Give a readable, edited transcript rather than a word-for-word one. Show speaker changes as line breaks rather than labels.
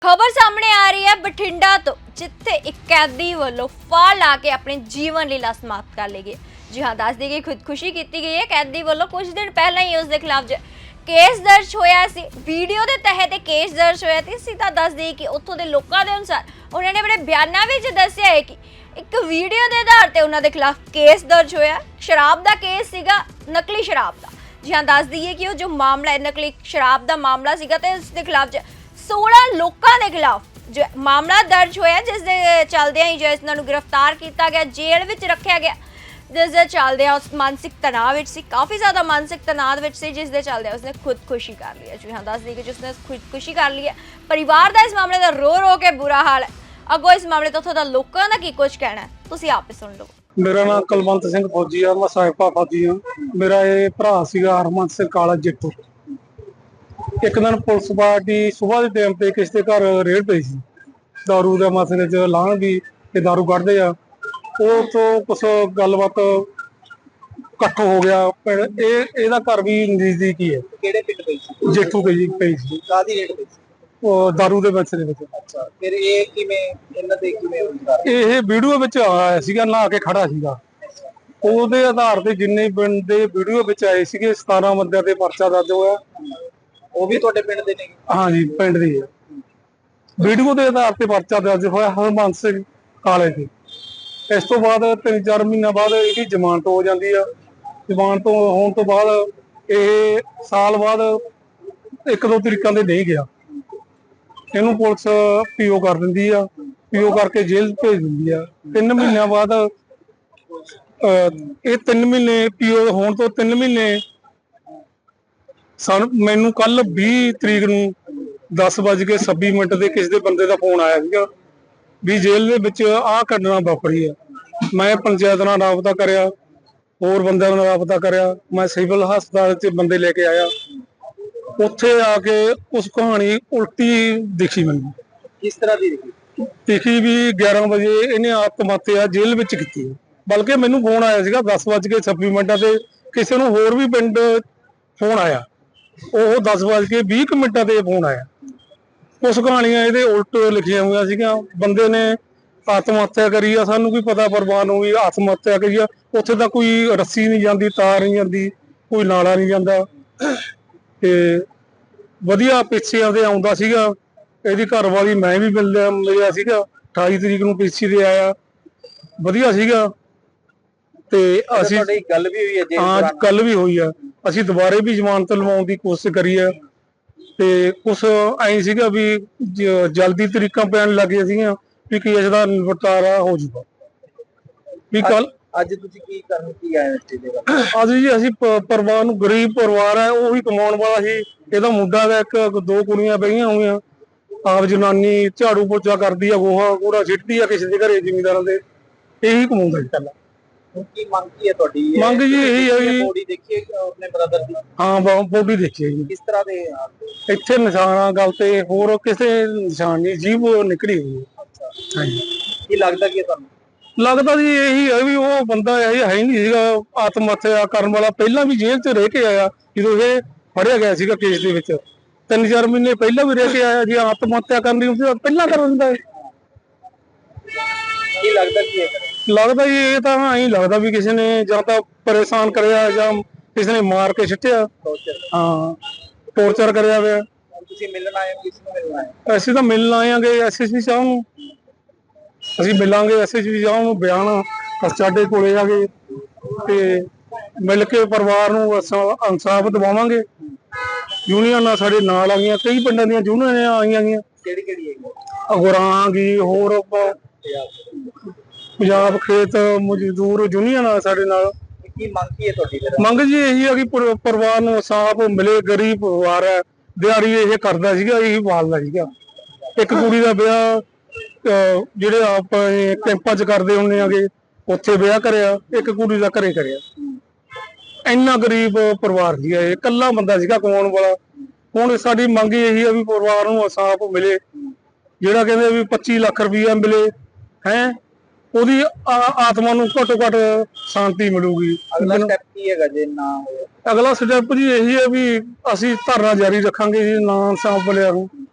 खबर सामने आ रही है बठिंडा तो जिथे एक कैदी वालों फाड़ ला के अपनी जीवन लीला समाप्त कर ली गई। जी हाँ, दस दी गई खुदकुशी की गई है। कैदी वालों कुछ दिन पहले ही उसके खिलाफ केस दर्ज होया सी। वीडियो के तहत केस दर्ज होया सी। सीधा दस दी कि उत्थों के लोगों के अनुसार उन्होंने अपने बयानों में दस्सिया है कि एक वीडियो के आधार पर उन्होंने खिलाफ केस दर्ज होया। शराब का केस सीगा, नकली शराब का। जी हाँ, दस दी कि जो मामला है नकली शराब का मामला सीगा ते उसके खिलाफ 16 लोगों के खिलाफ जो मामला दर्ज होया, जिस दे चलदे ही जो इन्होंने गिरफ्तार किया गया, जेल में रखा गया। जिस दे चलदे उस मानसिक तनाव विच सी, काफ़ी ज़्यादा मानसिक तनाव विच सी, जिस दे चलदे उसने खुदकुशी कर ली है। जी हाँ, दस दी कि जिसने खुदकुशी कर ली है। परिवार का इस मामले का रो रो के बुरा हाल है। अगों इस मामले तो उत्थों दा लोकां दा की कुछ कहना है, तुसीं आप ही सुन लो।
मेरा नाम कुलवंत सिंह फौजी है, मैं साहिबा फौजी हाँ। मेरा ये भरा सीगा हरमन सिंह काला जिट्टू। एक दिन पुलिस पार्टी सुबह के टाइम पे किसी के घर रेड पई सी, दारू के मसले च लाण भी ते दारू कढ़दे आ, ਉਹ ਤੋਂ कुछ गलबात इकट्ठ हो गया। ਇਹਦਾ घर भी नजदीक ही है।
ਕਿਹੜੇ ਪਿੰਡ ਪਈ ਸੀ?
ਜੇਠੂ ਕੇ ਜੀ ਪਈ ਸੀ,
ਕਾਦੀ ਰੇਟ ਪਈ ਸੀ?
ਉਹ दारू ਦੇ ਮਸਲੇ ਵਿੱਚ।
ਅੱਛਾ, ਫਿਰ ਇਹ ਕਿਵੇਂ ਇਹਨਾਂ ਦੇ ਕਿਵੇਂ ਹੁੰਦਾ?
ਇਹ ਵੀਡੀਓ ਵਿੱਚ ਆਇਆ ਸੀਗਾ, ਨਹਾ ਕੇ ਖੜਾ ਸੀਗਾ। ਉਹਦੇ ਆਧਾਰ ਤੇ ਜਿੰਨੇ ਬੰਦੇ ਵੀਡੀਓ ਵਿੱਚ ਆਏ ਸੀਗੇ 17 ਬੰਦਿਆਂ ਤੇ ਪਰਚਾ ਦਰਜ ਹੋਇਆ।
ਉਹ ਵੀ ਤੁਹਾਡੇ ਪਿੰਡ ਦੇ ਨੇ?
ਹਾਂਜੀ, ਪਿੰਡ ਦੀ ਹੈ। ਵੀਡੀਓ ਦੇ ਆਧਾਰ ਤੇ ਪਰਚਾ ਦਰਜ ਹੋਇਆ ਹਰਮਨ ਸਿੰਘ ਕਾਲੇ ਤੇ। ਇਸ ਤੋਂ ਬਾਅਦ 3-4 ਮਹੀਨਾ ਬਾਅਦ ਇਹਦੀ ਜ਼ਮਾਨਤ ਹੋ ਜਾਂਦੀ ਆ। ਜ਼ਮਾਨਤ ਹੋਣ ਤੋਂ ਬਾਅਦ ਇਹ ਸਾਲ ਬਾਅਦ 1-2 ਤਰੀਕਾਂ ਦੇ ਨਹੀਂ ਗਿਆ। ਇਹਨੂੰ ਪੁਲਿਸ ਪੀਓ ਕਰ ਦਿੰਦੀ ਆ, ਪੀਓ ਕਰਕੇ ਜੇਲ੍ਹ ਭੇਜ ਦਿੰਦੀ ਆ। 3 ਮਹੀਨਿਆਂ ਬਾਅਦ ਇਹ 3 ਮਹੀਨੇ ਪੀਓ ਹੋਣ ਤੋਂ 3 ਮਹੀਨੇ ਮੈਨੂੰ ਕੱਲ 20 ਤਰੀਕ ਨੂੰ 10:26 ਦੇ ਕਿਸੇ ਦੇ ਬੰਦੇ ਦਾ ਫੋਨ ਆਇਆ ਸੀਗਾ ਵੀ ਜੇਲ੍ਹ ਦੇ ਵਿੱਚ ਆਹ ਘਟਨਾ ਵਾਪਰੀ ਆ। ਮੈਂ ਪੰਚਾਇਤ ਨਾਲ ਰਾਬਤਾ ਕਰਿਆ, ਹੋਰ ਬੰਦਿਆਂ ਨਾਲ ਰਾਬਤਾ ਕਰਿਆ। ਮੈਂ ਸਿਵਲ ਹਸਪਤਾਲ 'ਚ ਬੰਦੇ ਲੈ ਕੇ ਆਇਆ। ਉੱਥੇ ਆ ਕੇ ਉਸ ਕਹਾਣੀ ਉਲਟੀ ਦਿਖੀ ਮੈਨੂੰ।
ਕਿਸ ਤਰ੍ਹਾਂ ਦੀ
ਦਿਖੀ ਵੀ 11 ਵਜੇ ਇਹਨੇ ਆਤਮ ਹੱਤਿਆ ਜੇਲ੍ਹ ਵਿੱਚ ਕੀਤੀ ਹੈ। ਬਲਕਿ ਮੈਨੂੰ ਫੋਨ ਆਇਆ ਸੀਗਾ 10:26 ਤੇ ਕਿਸੇ ਨੂੰ ਹੋਰ ਵੀ ਪਿੰਡ ਫੋਨ ਆਇਆ, ਉਹ 10:20 ਤੇ ਫੋਨ ਆਇਆ। ਕੁਛ ਕਹਾਣੀਆਂ ਇਹਦੇ ਉਲਟ ਲਿਖੀਆਂ ਹੋਈਆਂ ਸੀਗੀਆਂ। ਬੰਦੇ ਨੇ ਆਤਮ ਹੱਤਿਆ ਕਰੀ ਆ, ਸਾਨੂੰ ਕੀ ਪਤਾ ਪਰਿਵਾਰ ਨੂੰ ਵੀ ਆਤਮ ਹੱਤਿਆ ਕਰੀ ਆ। ਉੱਥੇ ਤਾਂ ਕੋਈ ਰੱਸੀ ਨਹੀਂ ਜਾਂਦੀ, ਤਾਰ ਨਹੀਂ ਜਾਂਦੀ, ਕੋਈ ਨਾਲਾ ਨਹੀਂ ਜਾਂਦਾ। ਤੇ ਵਧੀਆ ਪਿੱਛੇ ਆਉਂਦੇ ਆਉਂਦਾ ਸੀਗਾ। ਇਹਦੀ ਘਰ ਵਾਲੀ ਮੈਂ ਵੀ ਮਿਲਿਆ ਸੀਗਾ 28 ਤਰੀਕ ਨੂੰ ਪਿੱਛੇ ਦੇ ਆਇਆ, ਵਧੀਆ ਸੀਗਾ। ਤੇ ਅਸੀਂ
ਗੱਲ ਵੀ ਹੋਈ ਹੈ?
ਹਾਂ, ਕੱਲ ਵੀ ਹੋਈ ਆ। ਅਸੀਂ ਦੁਬਾਰੇ ਵੀ ਜ਼ਮਾਨਤ ਲਵਾਉਣ ਦੀ ਕੋਸ਼ਿਸ਼ ਕਰੀ ਆ ਤੇ ਕੁਛ ਐਂ ਸੀਗਾ ਵੀ ਜਲਦੀ ਤਰੀਕਾਂ ਪੈਣ ਲੱਗੀਆਂ ਸੀਗੀਆਂ ਵੀ ਕੇਸ ਦਾ ਨਿਪਟਾਰਾ ਹੋ ਜੂਗਾ ਵੀ ਕੱਲ।
ਅੱਜ ਤੁਸੀਂ ਕੀ ਕਰਨ ਕੀ ਆਏ ਇੱਥੇ?
ਅੱਜ ਜੀ ਅਸੀਂ ਪਰਿਵਾਰ ਨੂੰ, ਗਰੀਬ ਪਰਿਵਾਰ ਹੈ, ਉਹ ਵੀ ਕਮਾਉਣ ਵਾਲਾ ਸੀ। ਇਹਦਾ ਮੁੰਡਾ ਦਾ ਇੱਕ 2 ਕੁੜੀਆਂ ਬਹੀਆਂ ਹੋਈਆਂ। ਆਪ ਜਨਾਨੀ ਝਾੜੂ ਪੋਚਾ ਕਰਦੀ ਆ, ਗੋਹਾ ਕੂੜਾ ਸਿੱਟਦੀ ਆ ਕਿਸੇ ਦੇ ਘਰੇ ਜ਼ਿਮੀਂਦਾਰਾਂ ਦੇ, ਇਹੀ ਕਮਾਉਂਦਾ ਜੀ ਪਹਿਲਾਂ।
ਕੀ ਮੰਗ ਕੀ ਹੈ ਤੁਹਾਡੀ?
ਮੰਗ ਜੀ ਇਹੀ ਹੈ ਜੀ,
ਬੋਡੀ ਦੇਖੀ ਆਪਣੇ ਬ੍ਰਦਰ ਦੀ?
ਹਾਂ, ਬੋਡੀ ਦੇਖੀ ਜੀ।
ਕਿਸ ਤਰ੍ਹਾਂ ਦੇ
ਇੱਥੇ ਨਿਸ਼ਾਨ ਆ ਗਲ ਤੇ, ਹੋਰ ਕਿਸੇ ਨਿਸ਼ਾਨ ਨਹੀਂ, ਜੀਭ ਨਿਕਲੀ ਹੋਈ ਹੈ। ਹਾਂਜੀ,
ਕੀ ਲੱਗਦਾ ਕੀ ਤੁਹਾਨੂੰ?
ਲੱਗਦਾ ਜੀ ਇਹੀ ਹੈ ਵੀ ਉਹ ਬੰਦਾ ਇਹ ਹੈ ਹੀ ਨਹੀਂ ਸੀਗਾ ਆਤਮ ਹੱਤਿਆ ਕਰਨ ਵਾਲਾ। ਪਹਿਲਾਂ ਵੀ ਜੇਲ੍ਹ 'ਚ ਰਹਿ ਕੇ ਆਇਆ, ਜਦੋਂ ਇਹ ਫੜਿਆ ਗਿਆ ਸੀਗਾ ਕੇਸ ਦੇ ਵਿੱਚ 3-4 ਮਹੀਨੇ ਪਹਿਲਾਂ ਵੀ ਰਹਿ ਕੇ ਆਇਆ। ਜੇ ਆਤਮ ਹੱਤਿਆ ਕਰਨੀ ਹੁੰਦੀ ਤਾਂ ਪਹਿਲਾਂ ਕਰ ਦਿੰਦਾ।
ਕੀ ਲੱਗਦਾ ਕੀ ਹੈ?
ਲੱਗਦਾ ਜੀ ਇਹ ਤਾਂ ਐਂ ਲੱਗਦਾ ਵੀ ਕਿਸੇ ਨੇ ਜਾਂ ਤਾਂ ਪਰੇਸ਼ਾਨ ਕਰਿਆ ਜਾਂ ਕਿਸੇ ਨੇ ਮਾਰ ਕੇ ਸਿੱਟਿਆ। ਹਾਂ, ਟੌਰਚਰ ਕਰਿਆ ਹੋਇਆ।
ਤੁਸੀਂ ਮਿਲਣ ਆਏ ਹੋ? ਕਿਸ ਨੂੰ ਮਿਲਣ ਆਏ?
ਅਸੀਂ ਤਾਂ ਮਿਲਣ ਆਏਗੇ ਐਸਐਸਪੀ ਸਾਹਿਬ ਨੂੰ, ਅਸੀਂ ਮਿਲਾਂਗੇ ਐਸਐਸਪੀ ਸਾਹਿਬ ਨੂੰ। ਬਿਆਨ ਸਾਡੇ ਕੋਲੇ ਆ ਗਏ ਤੇ ਮਿਲ ਕੇ ਪਰਿਵਾਰ ਨੂੰ ਇਨਸਾਫ ਦਿਵਾਵਾਂਗੇ। ਯੂਨੀਅਨਾਂ ਸਾਡੇ ਨਾਲ ਆ ਗਈਆਂ, ਕਈ ਪਿੰਡਾਂ ਦੀਆਂ ਯੂਨੀਅਨਾਂ ਆਈਆਂ ਗਈਆਂ।
ਕਿਹੜੀ ਹੈਗੀ?
ਅਗੁਰਾਂ ਗੀ, ਹੋਰ ਪੰਜਾਬ ਖੇਤ ਮਜ਼ਦੂਰ ਯੂਨੀਅਨ ਆ ਸਾਡੇ ਨਾਲ।
ਕੀ ਮੰਗ ਕੀ ਹੈ ਤੁਹਾਡੀ?
ਮੰਗ ਜੀ ਇਹੀ ਆ ਕਿ ਪਰਿਵਾਰ ਨੂੰ ਇਨਸਾਫ ਮਿਲੇ। ਗਰੀਬ ਪਰਿਵਾਰ ਹੈ, ਦਿਹਾੜੀ ਇਹ ਕਰਦਾ ਸੀਗਾ, ਇਹੀ ਪਾਲਦਾ ਸੀਗਾ। ਇੱਕ ਕੁੜੀ ਦਾ ਵਿਆਹ ਜਿਹੜੇ ਆਪ ਕੈਂਪਾਂ 'ਚ ਕਰਦੇ ਹੁੰਦੇ ਆਗੇ, ਉੱਥੇ ਵਿਆਹ ਕਰਿਆ। ਇੱਕ ਕੁੜੀ ਦਾ ਘਰੇ ਕਰਿਆ। ਇੰਨਾ ਗਰੀਬ ਪਰਿਵਾਰ ਸੀਗਾ, ਇਹ ਇਕੱਲਾ ਬੰਦਾ ਸੀਗਾ ਕਮਾਉਣ ਵਾਲਾ। ਹੁਣ ਸਾਡੀ ਮੰਗ ਇਹੀ ਆ ਵੀ ਪਰਿਵਾਰ ਨੂੰ ਇਨਸਾਫ ਮਿਲੇ। ਜਿਹੜਾ ਕਹਿੰਦੇ ਵੀ 25 ਲੱਖ ਰੁਪਈਆ ਮਿਲੇ ਹੈ, ਉਹਦੀ ਆਤਮਾ ਨੂੰ ਘੱਟੋ ਘੱਟ ਸ਼ਾਂਤੀ ਮਿਲੂਗੀ।
ਅਗਲਾ ਸਟੈਪ ਕੀ ਹੈਗਾ ਜੇ ਨਾ ਹੋਇਆ?
ਅਗਲਾ ਸਟੈਪ ਜੀ ਇਹੀ ਹੈ ਵੀ ਅਸੀਂ ਧਰਨਾ ਜਾਰੀ ਰੱਖਾਂਗੇ ਜੀ, ਨਾ ਇਨਸਾਫ ਮਿਲਿਆ ਨੂੰ।